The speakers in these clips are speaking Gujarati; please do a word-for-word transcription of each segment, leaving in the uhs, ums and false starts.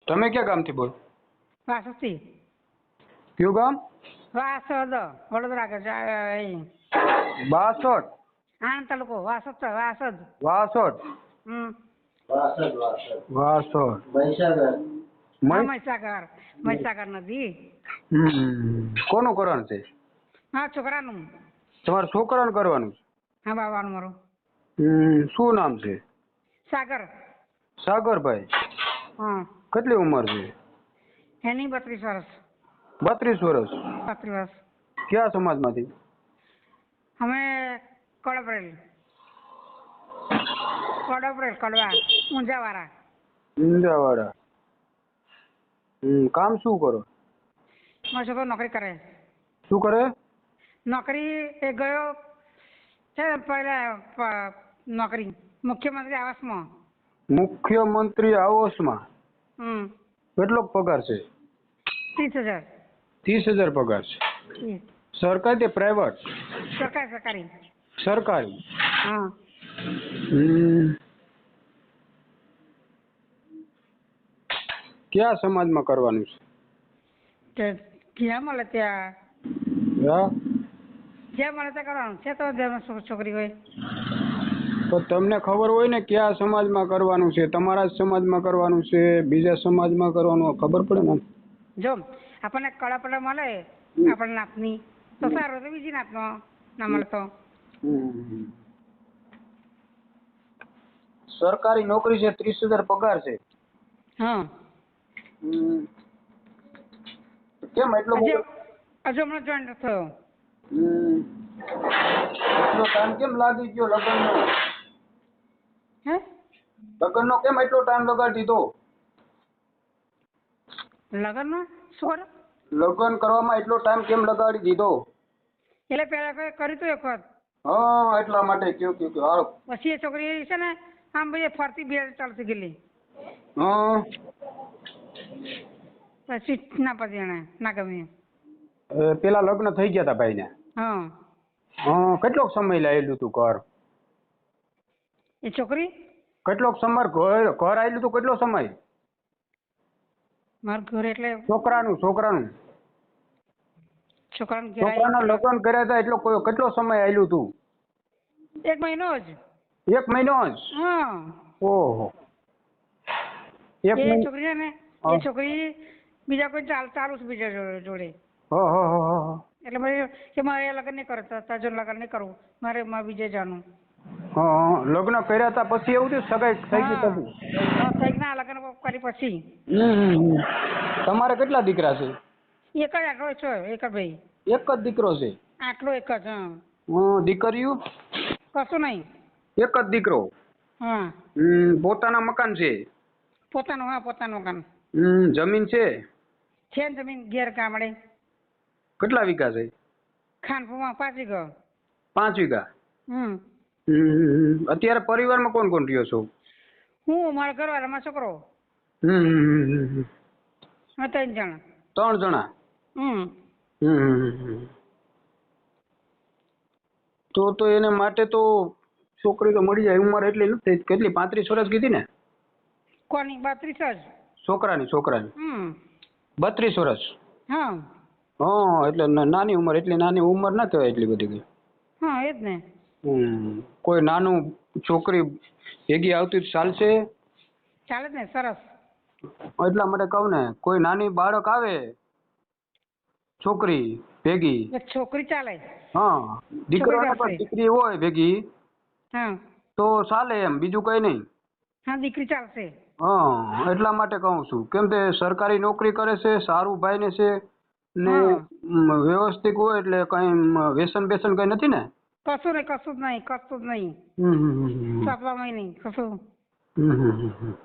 તમે ક્યાં ગામથી બોલો? વાસદથી. કયું ગામ? વાસદ વડોદરા કે અહીં બાસઠ. આણંદ તાલુકો વાસદ છે, વાસદ. વાસઠ. હમ વાસઠ વાસઠ વાસઠ. મહીસાગર. હા મય- મહીસાગર મહીસાગર નદી. હમ. કોનું કરવાનું છે? હા છોકરાનું. તમારા છોકરાને કરવાનું છે? હા બાવાનું મારું હમ. શું નામ છે? સાગર. સાગરભાઈ. હા કેટલી ઉંમર છે? એની બત્રીસ વર્ષ. બત્રીસ વર્ષ. બત્રીસ વર્ષ. કયા સમાજમાંથી? અમે કડપરેલ કડપરેલ કડવા ઊંઝાવાળા. ઊંઝાવાળા. હમ. કામ શું કરો? મારો છોકરો નોકરી કરે. શું કરે? નોકરી એ ગયો છે પહેલા પ- નોકરી મુખ્યમંત્રી આવાસમાં. મુખ્યમંત્રી આવાસમાં. હમ કેટલો પગાર છે? ત્રીસ હજાર. ત્રીસ હજાર પગાર છે. હમ. સરકારી કે પ્રાઇવેટ? સરકારી સરકારી. સરકારી. હા હમ. કયા સમાજમાં કરવાનું છે? તે જ્યાં મળે ત્યાં હા. જ્યાં મળે ત્યાં કરવાનું છે. તો જેમાં છો- છોકરી હોય. તો તમને ખબર હોય ને કયા સમાજમાં કરવાનું છે? તમારા જ સમાજમાં કરવાનું છે, બીજા સમાજમાં કરવાનું, ખબર પડે ને. જો આપણને કળા મળે આપણા નાતની તો સારું, તો બીજી નાતનો ના મળે તો. હમ. સરકારી નોકરી છે, ત્રીસ હજાર પગાર છે. હા હમ. કેમ એટલો હજુ બધો? હજુ હમણાં જોઈન્ટ થયો. હમ. એટલો ટાઈમ કેમ લાગી ગયો લગ્નનો? હે લગ્નનો કેમ એટલો ટાઈમ લગાડી દીધો? લગ્નમાં શું કરો? લગ્ન કરવામાં એટલો ટાઈમ કેમ લગાડી દીધો? એટલે પહેલા કોઈ કર્યું હતું એક વખત. હા, એટલા માટે કયો કયો કયો હાલો. પછી એ છોકરી છે ને આમ ભાઈ ફરતી બે ચાલતી ગયેલી. હા. પછી ના પડી એને ના ગમ્યું. એ પેલા લગ્ન થઈ ગયા હતા ભાઈને? હા હા. કેટલોક સમય લાયેલું તું ઘર? એ છોકરી કેટલોક સમય ઘર ઘર આવેલું તું? કેટલો સમય? મારું ઘર એટલે છોકરાનું છોકરાનું છોકરાને ઘેર છોકરાના આવી લગ્ન કર્યા હતા એટલો કોઈ- કેટલો સમય આવેલું તું? એક મહિનો જ. એક મહિનો જ? હા ઓહો. એક એ મહિનો. છોકરી છે ને હા. એ છોકરી બીજા કોઈ ચાલ ચાલુ છે બીજા જોડે જોડે. હા હા હા હા હા. એટલે મારે કે મારે લગ્ન નહીં કરવું, તાજો લગ્ન નહીં કરવું, મારે મારે બીજે જાણું. હા હા. લગ્ન કર્યા હતા પછી એવું થયું? સગાઈ થઈ ગઈ હા પછી? હા થઈ ના લગ્ન કરી પછી. હમ હમ હમ. તમારે કેટલા દીકરા છે? એક જ આટલો છો એક જ ભાઈ. એક જ દીકરો છે? આટલો એક જ. હા હમ. દીકરીઓ? કશું નહીં. એક જ દીકરો? હા હમ. પોતાના મકાન છે? પોતાનું. હા પોતાનું મકાન હમ. જમીન છે? છે ને જમીન ઘેર ગામડે કેટલા વીઘા છે? ખાનપુરમાં પાંચ વીઘા. પાંચ વીઘા? હમ હમ. અત્યારે પરિવારમાં કોણ કોણ રહ્યો છો? હું મારા ઘરવાળા મારો છોકરો. હમ હમ હમ હમ. હા ત્રણ જણ. ત્રણ જણા? હમ હમ હમ હમ. તો તો એને માટે તો છોકરી તો મળી જાય. ઉંમર એટલી નથી થઈ. કેટલી? પાંત્રીસ વર્ષ કીધી ને? કોની? બત્રીસ જ. છોકરાની છોકરાની હમ બત્રીસ વર્ષ? હા હા. એટલે ના- નાની ઉંમર. એટલી નાની ઉંમર ના કહેવાય એટલી બધી કઈ. હા એ જ ને. હમ. કોઈ નાનું છોકરી ભેગી આવતી તો ચાલશે? ચાલે જ ને. સરસ. એટલા માટે કહું ને, કોઈ નાની બાળક આવે છોકરી ભેગી. એક છોકરી ચાલે. હા. દીકરો છોકરી ને પણ ચાલશે. દીકરી હોય ભેગી હા તો ચાલે એમ, બીજું કઈ નહીં. હા દીકરી ચાલશે. હા. એટલા માટે કહું છું. કેમ કે સરકારી નોકરી કરે છે, સારું ભાઈને છે ને હા મ, વ્યવસ્થિત હોય એટલે કઈ મ, વ્યસન બેસન કઈ નથી ને? કશું નહીં કશું જ નહીં કશું જ નહીં. હમ હમ હમ હમ. સાતવામાં નહીં કશું. હમ હમ હમ હમ.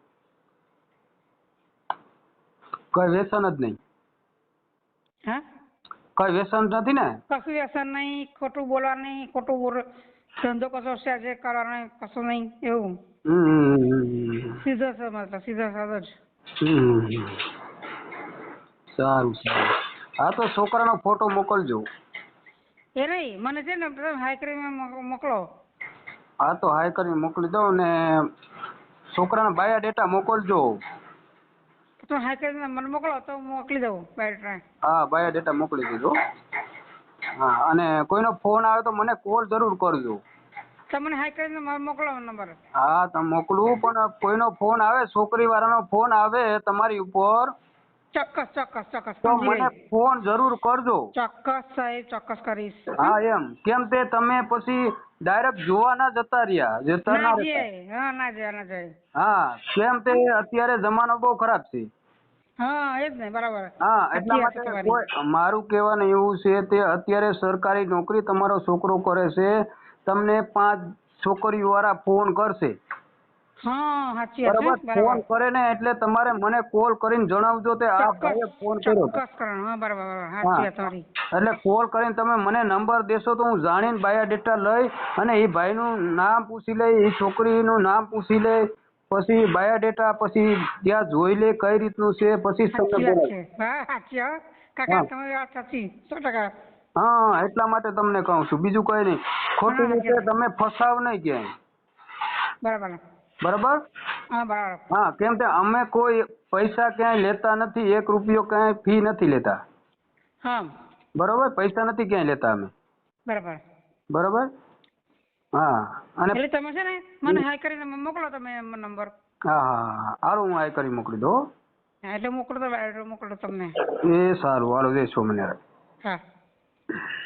કઈ વ્યસન જ નહીં? હા કઈ વ્યસન નથી ને? કશું વ્યસન નહીં, ખોટું બોલવા નહીં, ખોટું બોલ ધંધો કશો છે કરવાનો કશું નહીં એવું. હમ હમ હમ હમ. સીધો છે મતલબ સીધો સાધો જ. હમ. સારું સારું. હા તો છોકરાનો ફોટો મોકલજો. એ નહીં મને છે ને તમે હાઈ કરીને મોક- મોકલો. હા તો હાઈ કરીને મોકલી દઉં ને છોકરાના બાયોડેટા મોકલજો. તો હા કરીને મને મોકલો તો હું મોકલી દઉં બાયોડેટા. હા બાયોડેટા મોકલી દીધો. હા અને કોઈનો ફોન આવે તો મને કોલ જરૂર કરજો. તમને હાઈ કરીને મારે મોકલો નંબર. હા તમે મોકલું, પણ કોઈનો ફોન આવે, છોકરી વાળાનો ફોન આવે તમારી ઉપર ચોક્કસ ચોક્કસ ચોક્કસ તો સમજી મને ગઈ. ફોન જરૂર કરજો. ચોક્કસ સાહેબ ચોક્કસ કરીશ. હા એમ કેમ તે તમે પછી ડાયરેક્ટ જોવા ના જતા રહ્યા, જતા ના ના જઈએ, રહેતા. હા ના જાય ના જાય. હા કેમ તે અત્યારે જમાનો બહુ ખરાબ છે. હા એ જ ને બરાબર. હા એટલા સાચી વાત છે માટે તમારી. કોઈ મારું કહેવાનું એવું છે તે અત્યારે સરકારી નોકરી તમારો છોકરો કરે છે, તમને પાંચ છોકરીઓ વાળા ફોન કરશે. હા સાચી વાત છે બરાબર ફોન બરાબર. કરે ને એટલે તમારે મને કોલ કરીને જણાવજો તે આ ભાઈએ ચોક્કસ ફોન કર્યો હતો. ચોક્કસ કરો. હા બરાબર બરાબર હા સાચી વાત તમારી. એટલે કોલ કરીને તમે મને નંબર દેશો તો હું જાણીને બાયોડેટા લઈ અને એ ભાઈનું નામ પૂછી લઈ, એ છોકરીનું નામ પૂછી લઈ, પછી બાયોડેટા પછી ત્યાં જોઈ લે કઈ રીતનું છે, પછી જ તમને સાચી વાત બોલાય. છે. હા સાચી હો કાકા હા તમારી વાત સાચી સો ટકા. હા એટલા માટે તમને કહું છું, બીજું કઈ નહીં. ખોટી હા સાચી રીતે વાત. તમે ફસાવ નહીં ક્યાંય. બરાબર. બરાબર. હા બરાબર. હા કેમ કે અમે કોઈ પૈસા ક્યાંય લેતા નથી, એક રૂપિયો ક્યાંય ફી નથી લેતા. હા બરોબર પૈસા નથી ક્યાંય લેતા અમે. બરાબર. બરોબર. હા અને એટલે તમે છે ને મને હાઈ કરીને મોકલો તમે નંબર. હા હા હા હારું હું આ કરી મોકલી દઉં. હા એટલે મોકલો તો બાયોડેટા મોકલો તમને. એ સારું હાલો જય સ્વામિનારાયણ. હા.